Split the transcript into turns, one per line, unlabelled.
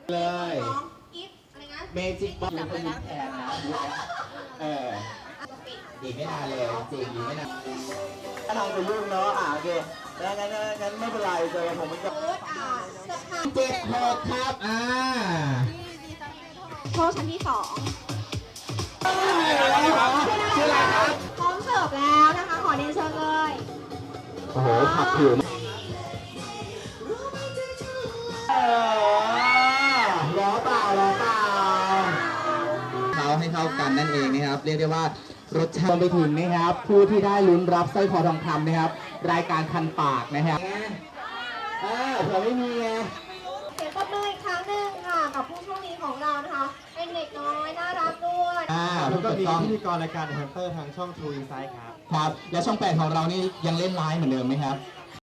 เลย
น้องกิฟต์อะไรนะ
เมจิกบอลอยู่คนนี้แทนนะอีกไม่นานเลยจริงอีกไม่นานถ้าทางจะยุ่งเนาะโอเคงั้นไม่เป็นไรเจอผมมันก็
เอิร์ธเสื้อผ้า
76ครับ
โชว์ชั้นที่2
ชื่ออะไรครับ
พร้อมเสิร์ฟแล้วนะคะขอเรียนเชิญเลย
โอ้โหขับผิวล้อเปล่าเขาให้เข้ากันนั่นเองนะครับเรียกได้ว่ารสชาติไปถึงนะครับผู้ที่ได้ลุ้นรับสร้อยคอทองคำนะครับรายการคันปากนะครับเผื่อไม่มีไง
เสียงปรบมืออีกครั้งหนึ่งค่ะกับผู้โชคดีของเรานะคะเป็นเด็กน้อยน่ารักด้วย
แล้วก็มีพิธีกรรายการฮันเตอร์ทางช่อง True Insight ครับ
และช่อง8ของเรานี่ยังเล่นไลฟ์เหมือนเดิมไหมครับ